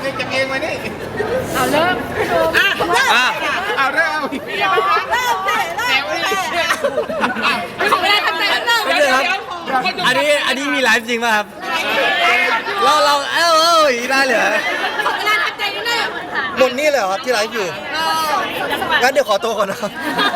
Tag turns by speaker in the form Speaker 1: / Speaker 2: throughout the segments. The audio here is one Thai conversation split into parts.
Speaker 1: จับเองมานี่
Speaker 2: เอาเริ่ม
Speaker 1: เอาเริ่ม
Speaker 2: ขอเวลาทำใจแล้วเริ่ม
Speaker 3: ไม่เลยครับอันนี้มีไลฟ์จริงป่ะครับเราได้เลย
Speaker 2: ขอเวลาทำใจนิดนึง
Speaker 4: หมดนี่เลยเหรอครับที่ไลฟ์อยู่งั้นเดี๋ยวขอตัวก่อนนะครับ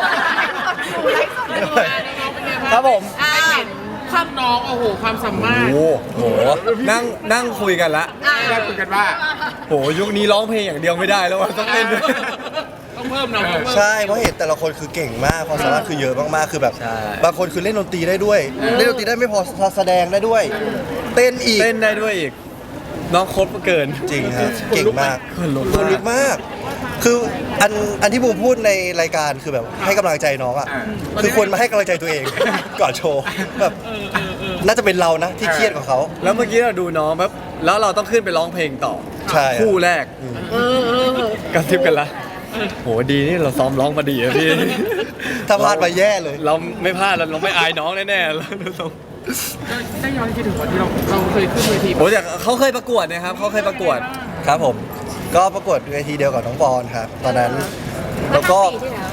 Speaker 4: ครับผม
Speaker 1: ความน้องโอ้โหความสามารถ
Speaker 3: โอ้โหนั่งคุยกันละ
Speaker 1: ได้คุยกันว่า
Speaker 3: โหยุคนี้ร้องเพลงอย่างเดียวไม่ได้แล้วต้องเต้นด้วย
Speaker 1: ต้องเพิ่มหน่อย
Speaker 4: ใช่เพราะเห็นแต่ละคนคือเก่งมากความสามารถคือเยอะมากๆคือแบบ
Speaker 3: ใช่
Speaker 4: บางคนคือเล่นดนตรีได้ด้วยเล่นดนตรีได้ไม่พอแสดงได้ด้วย เต้นอีก
Speaker 3: เต้นได้ด้วยอีกน้องโคตรเกิน
Speaker 4: จริงครับเก่งมาก
Speaker 3: คนลุก
Speaker 4: คนลุกมาก คืออันที่บูมพูดในรายการคือแบบให้กำลังใจน้องอ่ะคือควรมาให้กำลังใจตัวเอง ก่อนโชว์แบบน่าจะเป็นเรานะที่เครียดกว่าเขา
Speaker 3: แล้วเมื่อกี้เราดูน้องแบบแล้วเราต้องขึ้นไปร้องเพลงต่อ
Speaker 4: ใช่ครับ
Speaker 3: คู่แรกกระซิบกันละโหดีนี่เราซ้อมร้องมาดีอะพี่
Speaker 4: ถ้าพลาดไปแย่เลย
Speaker 3: เราไม่พลาดเราไม่อายน้องแน่ๆเรา
Speaker 1: ได้ย้อนคิดถึงวันที่เราเคยขึ้นเวที
Speaker 3: โอ้แต่เขาเคยประกวดนะครับเขาเคยประกวด
Speaker 4: ครับผม ก็ประกวดเวทีเดียวกับน้องปอนครับ ตอนนั้นแล้วก็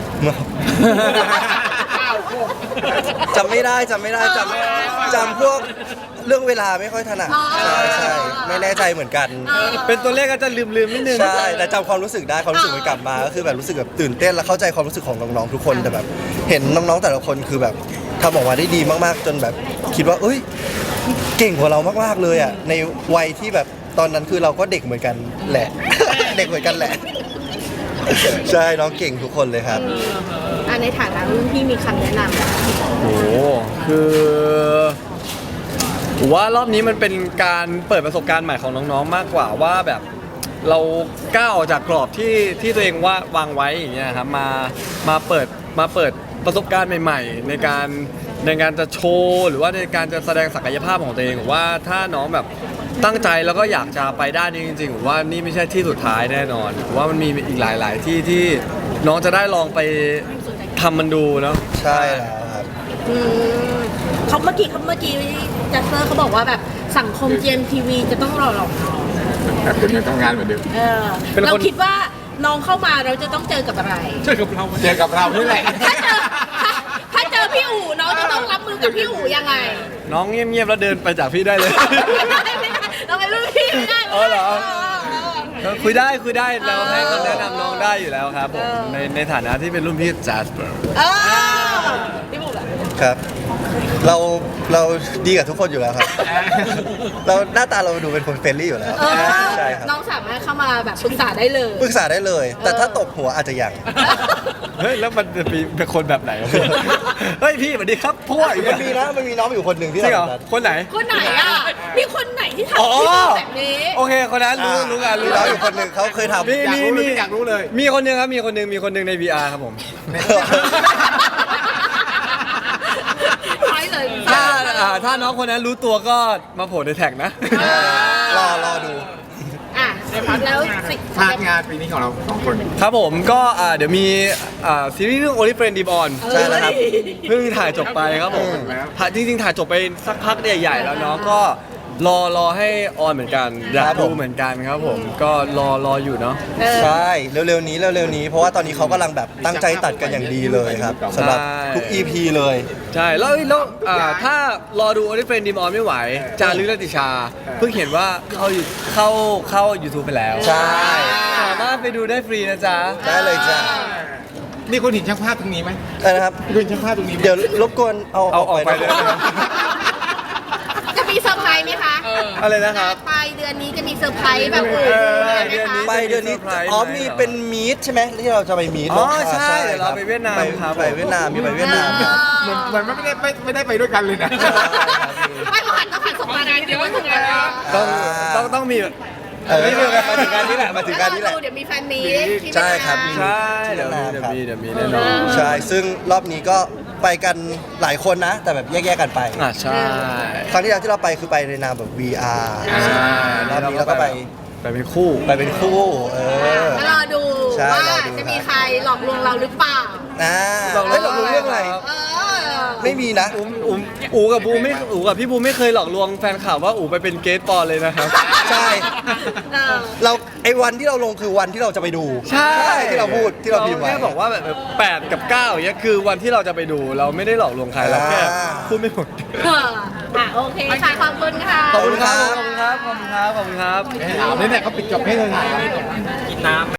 Speaker 4: จำไม่ได้จำพวกเรื่องเวลาไม่ค่อยถนัดใช่ไม่แน่ใจเหมือนกัน
Speaker 3: เป็นตัวเลขก็จะลืมนิดนึง
Speaker 4: ใช่แต่จำความรู้สึกได้ความรู้สึกมันกลับมาก็คือแบบรู้สึกแบบตื่นเต้นและเข้าใจความรู้สึกของน้องๆทุกคนแต่แบบ เห็นน้องๆแต่ละคนคือแบบทำออกมาได้ดีมากๆ จนแบบคิดว่าเอ้ยเก่งกว่าเรามากๆเลยอ่ะในวัยที่แบบตอนนั้นคือเราก็เด็กเหมือนกันแหละ เด็กเหมือนกันแหละ ใช่น้องเก่งทุกคนเลยครับ
Speaker 2: ในฐานะรุ่นพี่มีคำแนะนำ
Speaker 3: โอ้โหคือผมว่ารอบนี้มันเป็นการเปิดประสบการณ์ใหม่ของน้องๆมากกว่าว่าแบบเราก้าวออกจากกรอบที่ตัวเองวางไว้อย่างเงี้ยครับมาเปิดประสบการณ์ใหม่ๆในการจะโชว์หรือว่าในการจะแสดงศักยภาพของตัวเองผมว่าถ้าน้องแบบตั้งใจแล้วก็อยากจะไปด้านนี้จริงๆผมว่านี่ไม่ใช่ที่สุดท้ายแน่นอนผมว่ามันมีอีกหลายๆที่ที่น้องจะได้ลองไปทำมันดูเนาะ
Speaker 4: ใช่แล้วครับ
Speaker 2: เขาเมื่อกี้จัสเตอร์เขาบอกว่าแบบสังคม GMTV จะต้องรอน้อง
Speaker 1: แต่คุณยังทำงานเหมือนเดิม
Speaker 2: เราคิดว่าน้องเข้ามาเราจะต้องเจอกับอะไร
Speaker 1: เจอกับเรานี่แหละ
Speaker 2: ถ้าเจอพี่อู๋น้องจะต้องรับมือกับพี่อู๋ยังไง
Speaker 3: น้องเงียบๆแล้วเดินไปจากพี่ได้เลย
Speaker 2: เราเป็นรุ่นพี่ไม่ได้
Speaker 3: อ๋อเหรอ คุยได้เราให้คำแนะนำน้องได้อยู่แล้วครับผมในฐานะที่เป็นรุ่นพี่จัสเปอร์
Speaker 2: พี่บุ๋ม
Speaker 4: ครับ เราดีกับทุกคนอยู่แล้วครับ เราหน้าตาเราดูเป็นคนเฟรนลี่อยู่แล้วใช่ครับ
Speaker 2: น้องสามารถเข้ามาแบบปรึกษาได้เลย
Speaker 4: ปรึกษาได้เลย แต่ถ้าตบหัวอาจจะยัง
Speaker 3: เฮ้ยแล้วมันจะเป็นคนแบบไหนวะพี่ เฮ้ยพี่สวัสดีครับพ่ออีก
Speaker 4: มันมีนะมันมีน้องอยู่คนหนึ่งที่
Speaker 3: จริงเหรอ
Speaker 4: ทำแบบนั้น
Speaker 3: คนไหน
Speaker 2: คนไหนอ่ะมีคนไหนที่ทำ
Speaker 3: อ๋อ
Speaker 2: แบบนี้
Speaker 3: โอเคคนนั้นรู้กัน
Speaker 4: มีน้องอยู่คนหนึ่งเขาเคยทำ
Speaker 1: อยากรู้เลย
Speaker 3: มีคนหนึงครับมีคนหนึงใน VR ครับผม
Speaker 2: ใช่เลย
Speaker 3: ถ้าน้องคนนั้นรู้ตัวก็มาโผล่ในแท็กนะ
Speaker 4: รอดู
Speaker 2: อ่ะแล้วสิ
Speaker 1: พลาดงานปีนี้ของเราสองคน
Speaker 3: ครับผมก็เดี๋ยวมีซีรีส์เรื่อง Only Friend Deep On
Speaker 4: ใช่แล้วครับ
Speaker 3: เพิ่งถ่ายจบไปครับผม
Speaker 1: แล้ว
Speaker 3: จริงๆถ่ายจบไปสักพักใหญ่ๆแล้วเนาะก็รอให้ออนเหมือนกันอยาก
Speaker 4: ครับผ
Speaker 3: ดู
Speaker 4: ม
Speaker 3: เหมือนกันครับผมก็รออยู่เนาะ
Speaker 4: ใช่เร็วๆนี้เพราะว่าตอนนี้เขากำลังแบบตั้งใจตัดกันอย่างดีเลยครับสำหรับทุก EP เลย
Speaker 3: ใช่แล้วถ้ารอดู Only Friend Deep On ไม่ไหวจารึกและติชา เพิ่งเห็นว่าเข้า YouTube ไปแล้ว
Speaker 4: ใช่
Speaker 3: สามารถไปดูได้ฟรีนะจ๊ะ
Speaker 4: ได้เลยจ้ะ
Speaker 1: นี่คุณเห็นช่างภาพตรงนี้ไหม
Speaker 4: นะครับ
Speaker 1: คุณเห็นช่างภาพตรงนี้ไหม
Speaker 4: เดี๋ยวรบกวนเอา
Speaker 3: เอาออกไปเลย
Speaker 4: นะครับ
Speaker 2: จะมีเซอร์ไพรส์ไหมคะ
Speaker 3: อะไรนะครับ
Speaker 2: ปลายเดือนนี้จะมีเซอร์ไพรส์แบบอื่นไหมคะ
Speaker 4: ไปเดือนนี้มีเป็นมีตใช่ไหมที่เราจะไปมีต
Speaker 3: อ๋อใช่เดี๋ยวเราไปเวียดนามครับ
Speaker 4: ไปเวียดนามมีไปเวียดนาม
Speaker 1: เหมือนไม่ได้ไปด้วยกันเลยนะ
Speaker 2: ไม่ผ่านส่งมางานเดียวถึงงานแล้ว
Speaker 3: ต้องมี
Speaker 4: ไม่เรื่องมาถึงการนี้แหละมาถึงการนี้แหละ
Speaker 2: เดี๋ยวมีแฟนมีที่
Speaker 4: ใช่ครับ
Speaker 3: ใช่เดี๋ยวมีแน่นอน
Speaker 4: ใช่ซึ่งรอบนี้ก็ไปกันหลายคนนะ แต่แบบแยกๆกันไป
Speaker 3: ใช่
Speaker 4: ครั้งที่แล้วที่เราไปคือไปในนามแบบ VR รอบนี้เราก็ไป
Speaker 3: เป็นคู่
Speaker 4: ไปเป็นคู่
Speaker 2: รอดู
Speaker 4: ใช่
Speaker 2: ว่าร
Speaker 4: อดู
Speaker 2: จะมีใครหลอกลวงเราหรือเปล่า
Speaker 4: เฮ้ยเรารู้เรื่องอะไร
Speaker 2: เออ
Speaker 4: ไม่มีนะ
Speaker 3: อูกับบูไม่อูกับพี่บูไม่เคยหลอกลวงแฟนข่าวว่าอูไปเป็นเกสปอนเลยนะครับ
Speaker 4: ใช่
Speaker 2: เออ
Speaker 4: เราไอ้วันที่เราลงคือวันที่เราจะไปดู
Speaker 3: ใช่
Speaker 4: ที่เราพูดที่เราพิมพ์ไว้
Speaker 3: แค่บอกว่าแบบ8 กับ 9อย่างเงี้ยคือวันที่เราจะไปดูเราไม่ได้หลอกลวงใครเราแค่พูดไม่หมด
Speaker 2: เออโอเคค่ะขอบคุณค่ะ
Speaker 3: ขอบคุณครับ ขอบคุณครับ ขอบคุณครับ ขอบคุณครับ
Speaker 1: ถามนี่เนี่ยเขาปิดจบให้เลยกินน้ำ